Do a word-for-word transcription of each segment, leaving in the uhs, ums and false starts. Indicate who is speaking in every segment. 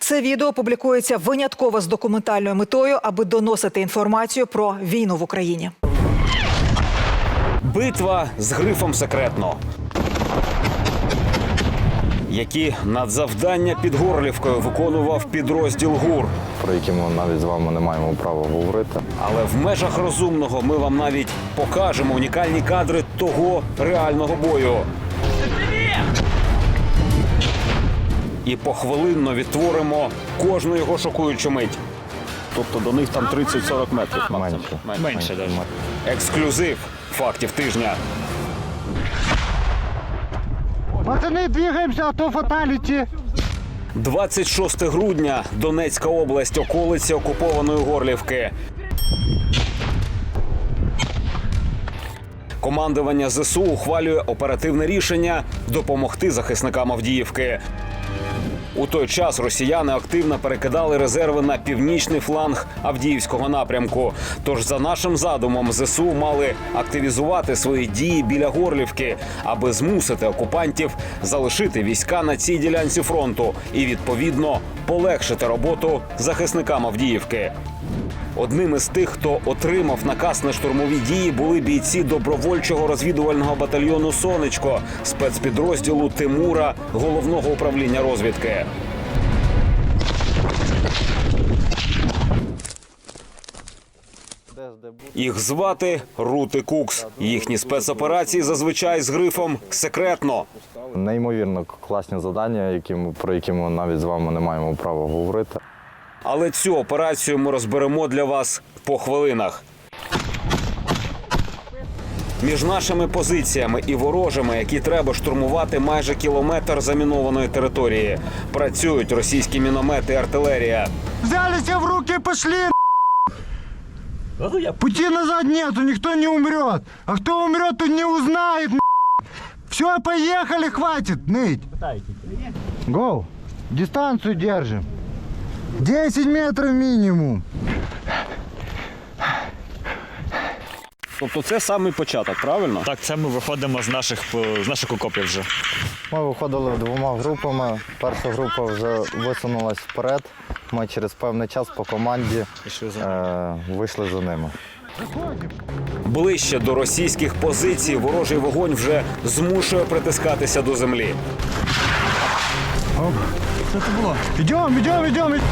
Speaker 1: Це відео публікується винятково з документальною метою, аби доносити інформацію про війну в Україні.
Speaker 2: Битва з грифом секретно. Які надзавдання під Горлівкою виконував підрозділ ГУР.
Speaker 3: Про які ми навіть з вами не маємо права говорити.
Speaker 2: Але в межах розумного ми вам навіть покажемо унікальні кадри того реального бою. І похвилинно відтворимо кожну його шокуючу мить. Тобто до них там тридцять-сорок метрів.
Speaker 3: Менше.
Speaker 2: Менше навіть. Ексклюзив фактів тижня.
Speaker 4: Пацаны, двигаемся, а то фаталити.
Speaker 2: двадцять шосте грудня, Донецька область, околиці окупованої Горлівки. Командування ЗСУ ухвалює оперативне рішення допомогти захисникам Авдіївки. У той час росіяни активно перекидали резерви на північний фланг Авдіївського напрямку. Тож за нашим задумом ЗСУ мали активізувати свої дії біля Горлівки, аби змусити окупантів залишити війська на цій ділянці фронту і, відповідно, полегшити роботу захисникам Авдіївки. Одним із тих, хто отримав наказ на штурмові дії, були бійці добровольчого розвідувального батальйону «Сонечко» спецпідрозділу Тимура Головного управління розвідки. Їх звати Рут і Кукс. Їхні спецоперації зазвичай з грифом «секретно».
Speaker 3: Неймовірно класні завдання, які ми, про які ми навіть з вами не маємо права говорити.
Speaker 2: Але цю операцію ми розберемо для вас по хвилинах. Між нашими позиціями і ворожими, які треба штурмувати майже кілометр замінованої території, працюють російські міномети і артилерія.
Speaker 4: Взяли себя в руки и пошли. Пути назад нету, никто не умрет. А кто умрет, то не узнает. Все, поехали, хватит ныть. Гоу, дистанцию держим. десять метров минимум.
Speaker 2: Тобто це самий початок, правильно?
Speaker 5: Так, це ми виходимо з наших, з наших окопів вже.
Speaker 3: Ми виходили двома групами. Перша група вже висунулась вперед. Ми через певний час по команді е, вийшли за ними.
Speaker 2: Ближче до російських позицій ворожий вогонь вже змушує притискатися до землі.
Speaker 4: Что это было? Идем, идем, идем.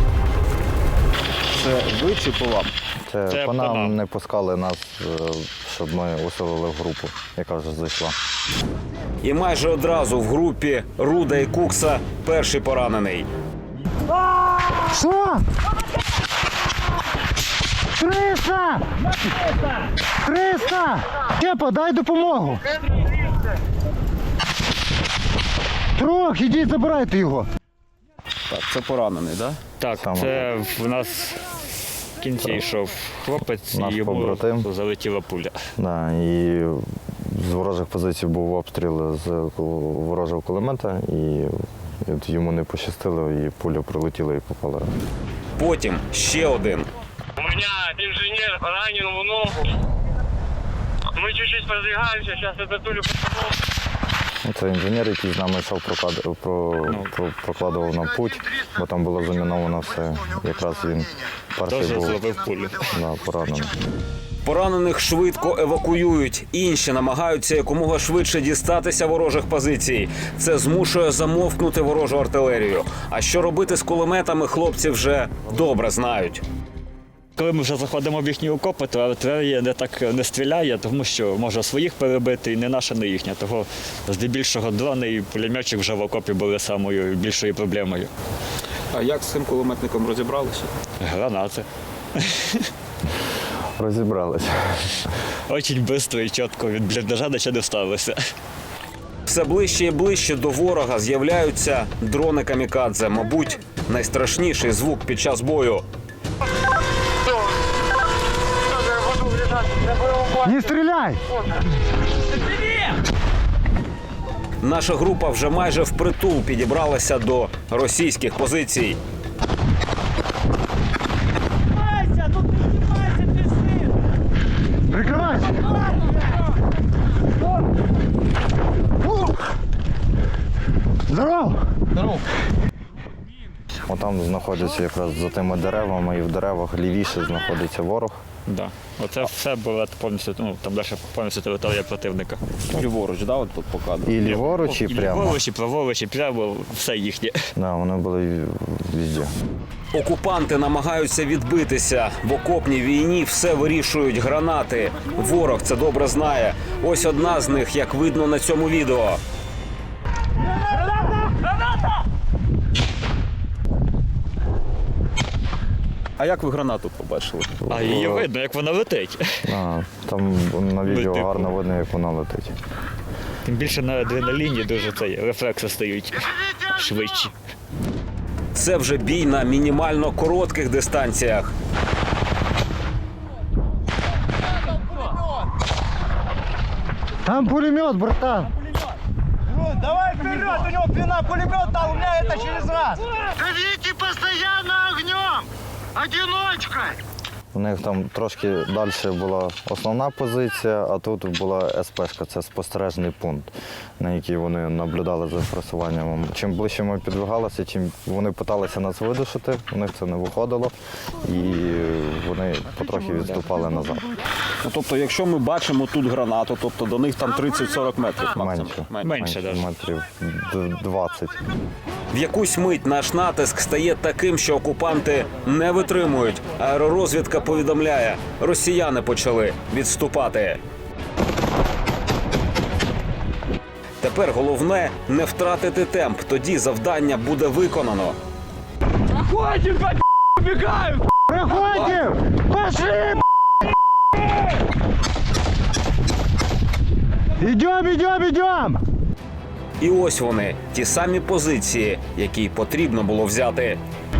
Speaker 2: Це ви чи по вам?
Speaker 3: Це,
Speaker 5: Це
Speaker 3: по
Speaker 5: по
Speaker 3: нам
Speaker 5: нам.
Speaker 3: не пускали нас, е, щоб ми усилили в групу, яка вже зайшла.
Speaker 2: І майже одразу в групі Руда і Кукса перший поранений.
Speaker 4: Что? Криса! Криса! Кепа, дай допомогу. Трох, іди забирайте його.
Speaker 2: Так, це поранений, так?
Speaker 5: Так,
Speaker 3: Саме
Speaker 5: це в нас в кінці йшов хлопець,
Speaker 3: Наш
Speaker 5: і йому
Speaker 3: побратим.
Speaker 5: залетіла пуля.
Speaker 3: Да, і з ворожих позицій був обстріл з ворожого кулемета, і от йому не пощастило, і пуля прилетіла і попала.
Speaker 2: Потім ще один.
Speaker 6: У меня инженер ранен в ногу. Мы чуть-чуть продвигаемся, сейчас это Толю потянул.
Speaker 3: Це інженер, який з нами йшов, проклад... про... про... прокладував нам путь, бо там було заміновано все. Якраз він перший
Speaker 5: Теж
Speaker 3: був
Speaker 5: зловив пулю.
Speaker 3: да, поранений.
Speaker 2: Поранених швидко евакуюють. Інші намагаються якомога швидше дістатися ворожих позицій. Це змушує замовкнути ворожу артилерію. А що робити з кулеметами, хлопці вже добре знають.
Speaker 5: Коли ми вже заходимо в їхні окопи, то артилерія не так не стріляє, тому що може своїх перебити, і не наша, не їхня. Того здебільшого дрони і пулеметчик вже в окопі були самою більшою проблемою.
Speaker 2: А як з цим кулеметником розібралися?
Speaker 5: Гранати.
Speaker 3: Розібралися.
Speaker 5: Дуже швидко і чітко від бліндажа до ще не вставилися.
Speaker 2: Все ближче і ближче до ворога з'являються дрони камікадзе. Мабуть, найстрашніший звук під час бою.
Speaker 4: Не стріляй!
Speaker 2: Наша група вже майже впритул підібралася до російських позицій.
Speaker 4: Прикривайся! Здорово!
Speaker 3: От Отам знаходиться якраз за тими деревами, і в деревах лівіше знаходиться ворог.
Speaker 5: Да. Оце все було повністю, ну, там далі повністю територія противника.
Speaker 2: Ліворуч, да, от тут показано.
Speaker 3: І ліворуч, і прямо.
Speaker 5: Ліворуч, і праворуч, і прямо, все їхнє.
Speaker 3: Да, вони були везде.
Speaker 2: Окупанти намагаються відбитися. В окопній війні все вирішують гранати. Ворог це добре знає. Ось одна з них, як видно на цьому відео. А як ви гранату побачили?
Speaker 5: А її видно, як вона летить.
Speaker 3: А, там на відео
Speaker 5: Летить.
Speaker 3: гарно видно, як вона летить.
Speaker 5: Тим більше на адреналіні дуже цей рефлекси стають швидші.
Speaker 2: Це вже бій на мінімально коротких дистанціях.
Speaker 4: Там пулемет, братан.
Speaker 7: Давай вперед, у него длина пулемета, у меня это через раз.
Speaker 4: Давите постоянно огнем! Одиночкой!
Speaker 3: У них там трошки далі була основна позиція, а тут була СПшка, це спостережний пункт, на який вони наблюдали за просуванням. Чим ближче ми підвигалися, чим вони намагалися нас видушити, у них це не виходило, і вони потрохи відступали назад.
Speaker 2: Ну, тобто, якщо ми бачимо тут гранату, тобто до них там тридцять-сорок метрів максимум.
Speaker 3: Менше.
Speaker 5: Менше даже.
Speaker 3: метрів д- двадцять.
Speaker 2: В якусь мить наш натиск стає таким, що окупанти не витримують. Аеророзвідка повідомляє, росіяни почали відступати. Тепер головне не втратити темп, тоді завдання буде виконано.
Speaker 4: Проходим! Пошли! Идем, идем, идем!
Speaker 2: І ось вони, ті самі позиції, які потрібно було взяти.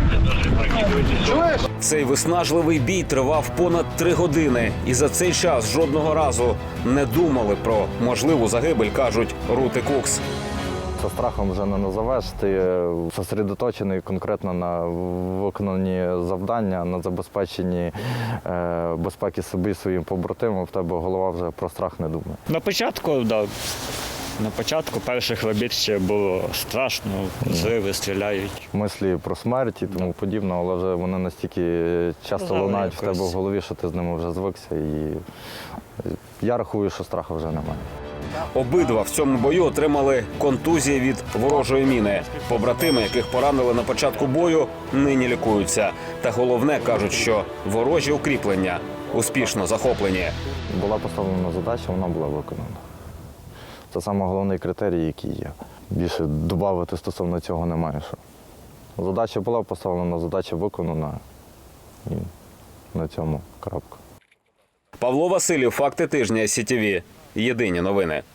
Speaker 2: Цей виснажливий бій тривав понад три години. І за цей час жодного разу не думали про можливу загибель, кажуть Рут і Кукс.
Speaker 3: Со страхом вже не назовеш, ти зосередоточений конкретно на виконанні завдання, на забезпеченні е, безпеки собі і своїм побратимам, в тебе голова вже про страх не думає.
Speaker 5: На початку, да, на початку перших робіт ще було страшно, зриви стріляють.
Speaker 3: Мислі про смерть і тому подібне, але вже вони настільки часто
Speaker 5: Казали
Speaker 3: лунають в тебе
Speaker 5: якось.
Speaker 3: в голові, що ти з ними вже звикся. І я рахую, що страху вже немає.
Speaker 2: Обидва в цьому бою отримали контузії від ворожої міни. Побратими, яких поранили на початку бою, нині лікуються. Та головне, кажуть, що ворожі укріплення успішно захоплені.
Speaker 3: Була поставлена задача, вона була виконана. Це саме головний критерій, який є. Більше додати стосовно цього немає. Що. Задача була поставлена, задача виконана. І на цьому крапка.
Speaker 2: Павло Василів, факти тижня СІТІВІ. Єдині новини.